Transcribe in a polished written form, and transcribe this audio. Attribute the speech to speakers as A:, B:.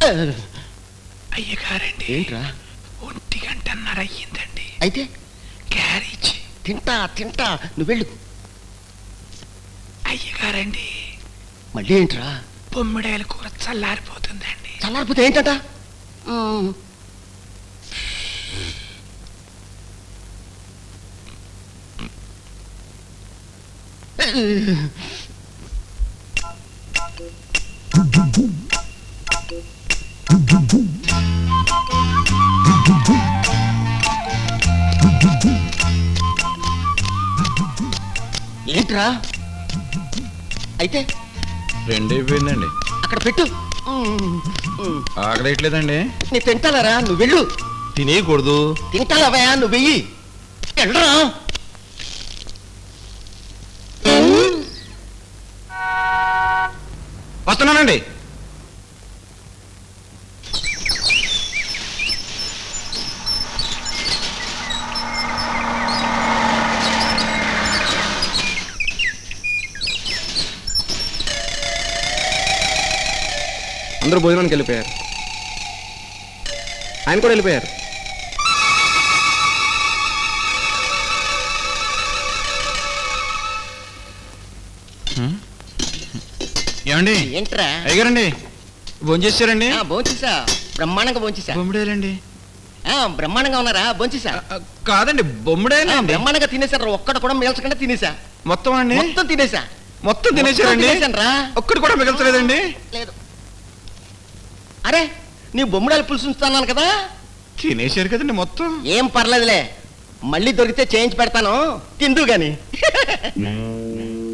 A: అయ్యగారండి,
B: ఏంట్రా?
A: 1:30 అయ్యిందండి.
B: అయితే
A: క్యారేజ్
B: తింటా తింటా, నువ్వు వెళ్ళు.
A: అయ్యగారండి,
B: మళ్ళీ ఏంట్రా?
A: బొమ్మిడాయల కూర చల్లారిపోతుందండి.
B: చల్లారిపోతే ఏంటట? ఏంట్రా? అయితే
C: 2 అయిపోయిందండి.
B: అక్కడ పెట్టు.
C: ఆకలేట్లేదండి.
B: నీ తింటాలరా, నువ్వు వెళ్ళు.
C: తినేయకూడదు.
B: తింటాలవయా, నువ్వు వెయ్యి. వెళ్ళరా.
C: వస్తున్నానండి. అందరూ భోజనానికి వెళ్ళిపోయారు. ఆయన కూడా వెళ్ళిపోయారు. ఏమండి?
B: ఏంట్రా?
C: అయ్యారండి, భోంచేసారండి?
B: భోంచేసా, బ్రహ్మాండంగా భోంచేసా.
C: బొమ్మిడేలండి.
B: బ్రహ్మాండంగా ఉన్నారా? భోంచేసా.
C: కాదండి, బొమ్మిడేనా?
B: బ్రహ్మాండంగా తినేసారు. ఒక్కడు కూడా మిగల్చకుండా తినేసా.
C: మొత్తం అండి?
B: మొత్తం తినేసా.
C: మొత్తం తినేసారండి? ఒక్కడు కూడా మిగల్చలేదండి.
B: లేదు. అరే, నీ బొమ్మిడాలు పులుసు ఉంచుతాను కదా.
C: తినేసారు కదండి మొత్తం.
B: ఏం పర్లేదులే, మళ్ళీ దొరికితే చేయించి పెడతాను, తిందు గాని.